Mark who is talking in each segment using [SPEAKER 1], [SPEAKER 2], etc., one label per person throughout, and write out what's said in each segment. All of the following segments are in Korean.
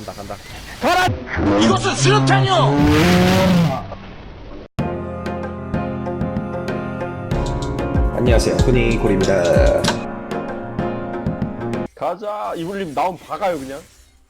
[SPEAKER 1] 간다.
[SPEAKER 2] 가라! 이것은 수류탄이요!
[SPEAKER 1] 안녕하세요, 후니콜입니다.
[SPEAKER 3] 가자. 이불님 나온 박아요 그냥.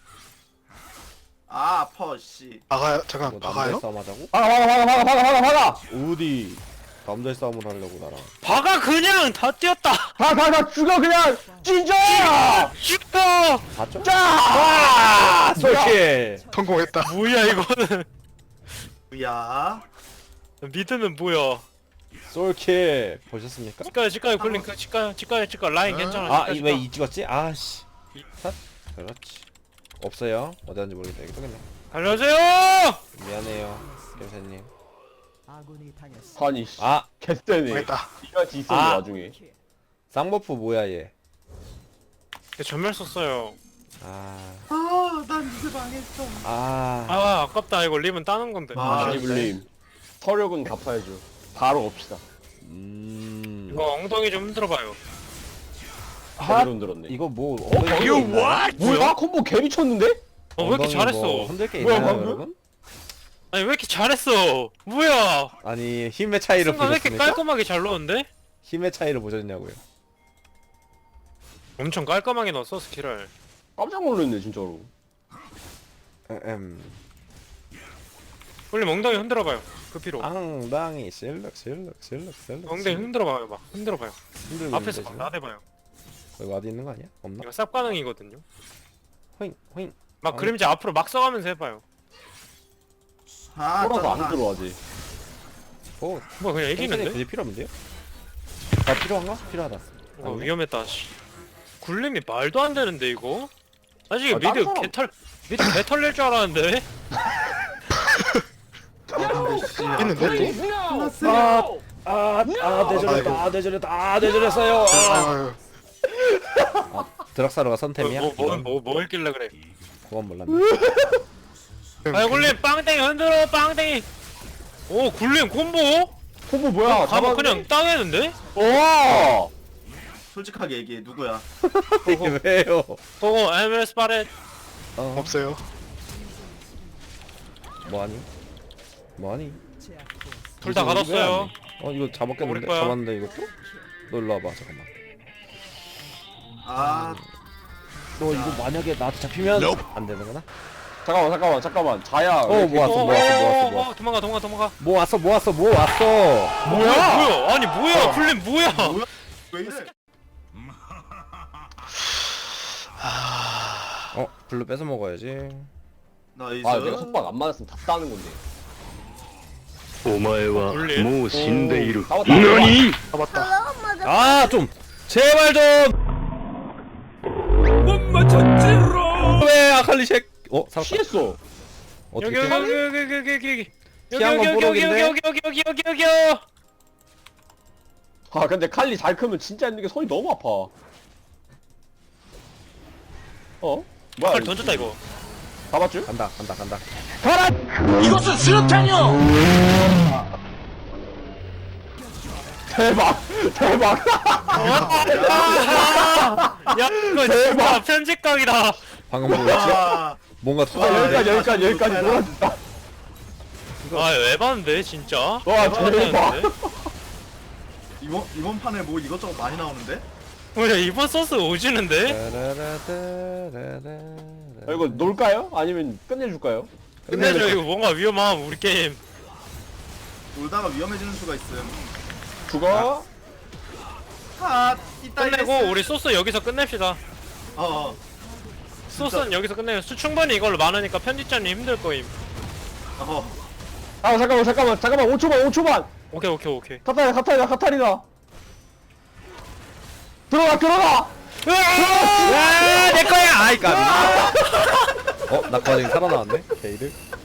[SPEAKER 4] 아 아파 씨.
[SPEAKER 5] 박아요? 잠깐
[SPEAKER 1] 뭐
[SPEAKER 5] 박아요?
[SPEAKER 1] 남자의 싸움 하자고?
[SPEAKER 3] 박아.
[SPEAKER 1] 어디 남자의 싸움을 하려고 나랑.
[SPEAKER 2] 박아 그냥 다 뛰었다.
[SPEAKER 3] 다 죽여 그냥. 찢어.
[SPEAKER 2] 죽어.
[SPEAKER 1] 봤죠?
[SPEAKER 3] 짜.
[SPEAKER 1] 솔킬.
[SPEAKER 5] 성공했다.
[SPEAKER 2] 뭐야 이거는.
[SPEAKER 4] 야.
[SPEAKER 2] 미드는 뭐야?
[SPEAKER 1] 솔킬 보셨습니까?
[SPEAKER 2] 치과에 굴린 그 치과 라인 괜찮아.
[SPEAKER 1] 아, 왜 이 찍었지? 아씨. 탓? 그렇지. 없어요. 어디 갔는지 모르겠다. 여기 또겠네.
[SPEAKER 2] 알려주세요.
[SPEAKER 1] 미안해요, 김사님.
[SPEAKER 3] 아니 씨.
[SPEAKER 1] 아,
[SPEAKER 3] 개쎄네.
[SPEAKER 5] 망했다.
[SPEAKER 3] 이같이 있었네
[SPEAKER 1] 아.
[SPEAKER 3] 와중에.
[SPEAKER 1] 쌍버프 뭐야 얘?
[SPEAKER 2] 전멸 썼어요.
[SPEAKER 4] 아난 이제 망했어.
[SPEAKER 2] 아 아깝다 이거 림은 따는 건데.
[SPEAKER 4] 아,
[SPEAKER 3] 이불님. 서력은 갚아야죠. 바로 갑시다.
[SPEAKER 2] 이거 엉덩이 좀 흔들어봐요.
[SPEAKER 3] 제대로 흔들었네.
[SPEAKER 1] 이거 뭐?
[SPEAKER 3] 이거 뭐야? 콤보 개 미쳤는데?
[SPEAKER 2] 왜 이렇게 잘했어?
[SPEAKER 1] 흔들 게
[SPEAKER 3] 뭐야,
[SPEAKER 1] 있나요,
[SPEAKER 3] 방금?
[SPEAKER 1] 여러분?
[SPEAKER 2] 아니 왜 이렇게 잘했어? 뭐야?
[SPEAKER 1] 아니 힘의 차이를
[SPEAKER 2] 순간 왜 이렇게
[SPEAKER 1] 보셨습니까?
[SPEAKER 2] 깔끔하게 잘 넣었는데?
[SPEAKER 1] 힘의 차이를 보셨냐고요?
[SPEAKER 2] 엄청 깔끔하게 넣었어 스킬을.
[SPEAKER 3] 깜짝 놀랐네 진짜로.
[SPEAKER 2] 원래 엉덩이 흔들어봐요. 그 피로.
[SPEAKER 1] 앙당이 실룩.
[SPEAKER 2] 엉덩이 흔들어봐요 막. 흔들어봐요.
[SPEAKER 1] 흔들고
[SPEAKER 2] 앞에서 막
[SPEAKER 1] 있는데,
[SPEAKER 2] 나대봐요.
[SPEAKER 1] 지금? 여기 와드 있는 거 아니야? 없나?
[SPEAKER 2] 이거 쌉 가능이거든요.
[SPEAKER 1] 호잉.
[SPEAKER 2] 막 그림자 앞으로 막 써가면서 해봐요.
[SPEAKER 4] 아
[SPEAKER 3] 돌아서 안
[SPEAKER 4] 짜증나.
[SPEAKER 3] 들어와지.
[SPEAKER 1] 오,
[SPEAKER 2] 뭐 그냥 이기는데?
[SPEAKER 1] 굳이 필요 없는데요? 아 필요한가? 필요하다.
[SPEAKER 2] 이거
[SPEAKER 1] 아니네?
[SPEAKER 2] 위험했다. 씨. 굴림이 말도 안 되는데 이거? 아직
[SPEAKER 3] 아,
[SPEAKER 2] 미드
[SPEAKER 3] 딴 사람-
[SPEAKER 2] 개털 낼 줄 알았는데?
[SPEAKER 5] 있는데 또?
[SPEAKER 1] 내절했어요.
[SPEAKER 5] 아유,
[SPEAKER 1] 드락사로가 선템이야?
[SPEAKER 2] 뭐 했길래 그래?
[SPEAKER 1] 그건 몰랐네.
[SPEAKER 2] 아이 굴림 빵땡이 흔들어 빵땡이. 오 굴림 콤보?
[SPEAKER 3] 콤보 뭐야?
[SPEAKER 2] 가봐 그냥 땅했는데?
[SPEAKER 3] 와.
[SPEAKER 4] 솔직하게 얘기해 누구야?
[SPEAKER 1] 이게 왜요?
[SPEAKER 2] 고고 MS 바렛.
[SPEAKER 5] 없어요.
[SPEAKER 1] 뭐하니?
[SPEAKER 2] 둘 다
[SPEAKER 1] 이거
[SPEAKER 2] 가뒀어요.
[SPEAKER 1] 이거 잡았겠는데?
[SPEAKER 2] 우리 거야.
[SPEAKER 1] 잡았는데 이것도? 너 일로 와봐 잠깐만.
[SPEAKER 4] 아
[SPEAKER 1] 너 이거 만약에 나한테 잡히면 안 되는구나?
[SPEAKER 3] 잠깐만. 자야.
[SPEAKER 1] 모았어.
[SPEAKER 2] 도망가.
[SPEAKER 1] 모았어.
[SPEAKER 2] 뭐야? 아니 뭐야? 굴림 뭐야?
[SPEAKER 4] 왜 이래?
[SPEAKER 1] 블루 뺏어 먹어야지.
[SPEAKER 4] 나이스.
[SPEAKER 3] 아 내가 속박 안 맞았으면 다 따는 건데.
[SPEAKER 6] お前はもう死んでいる。
[SPEAKER 3] 나왔다.
[SPEAKER 5] 잡았다.
[SPEAKER 1] 아, 좀 제발 좀. 못 맞췄지로. 왜 아칼리 쉑? 살았다.
[SPEAKER 3] 피했어.
[SPEAKER 1] 어떻게?
[SPEAKER 2] 여기
[SPEAKER 1] 피한 건 뽀록인데?
[SPEAKER 2] 여기
[SPEAKER 3] 아 근데 칼리 잘 크면 진짜 있는 게 손이 너무 아파. 뭐야?
[SPEAKER 2] 칼 던졌다 이거.
[SPEAKER 3] 잡았죠?
[SPEAKER 1] 간다.
[SPEAKER 2] 이것은 수류탄이요.
[SPEAKER 3] 대박.
[SPEAKER 2] 야 이거 진짜 편집각이다.
[SPEAKER 1] 방금 뭐였지?
[SPEAKER 4] 아
[SPEAKER 1] 뭔가
[SPEAKER 3] 아,
[SPEAKER 1] 터졌는데.
[SPEAKER 3] 여기까지 놀아준다.
[SPEAKER 2] 아 에반데 진짜.
[SPEAKER 3] 와, 대박.
[SPEAKER 4] 이번 판에 뭐 이것저것 많이 나오는데?
[SPEAKER 2] 뭐야 이번 소스 오지는데?
[SPEAKER 3] 이거 놀까요? 아니면 끝내줄까요?
[SPEAKER 2] 끝내줘 이거 뭔가 위험함 우리 게임.
[SPEAKER 4] 놀다가 위험해지는 수가 있음.
[SPEAKER 3] 죽어.
[SPEAKER 4] 아 이따
[SPEAKER 2] 끝내고 우리 소스 여기서 끝냅시다.
[SPEAKER 4] 어.
[SPEAKER 2] 소스는 여기서 끝내요. 충분히 이걸로 많으니까 편집자님 힘들 거임.
[SPEAKER 4] 어.
[SPEAKER 3] 아 잠깐만 5초만.
[SPEAKER 2] 오케이.
[SPEAKER 3] 카타리나. 들어가.
[SPEAKER 1] 내 거야. 아이 까비. 나 과정이 살아나왔네. 게이드.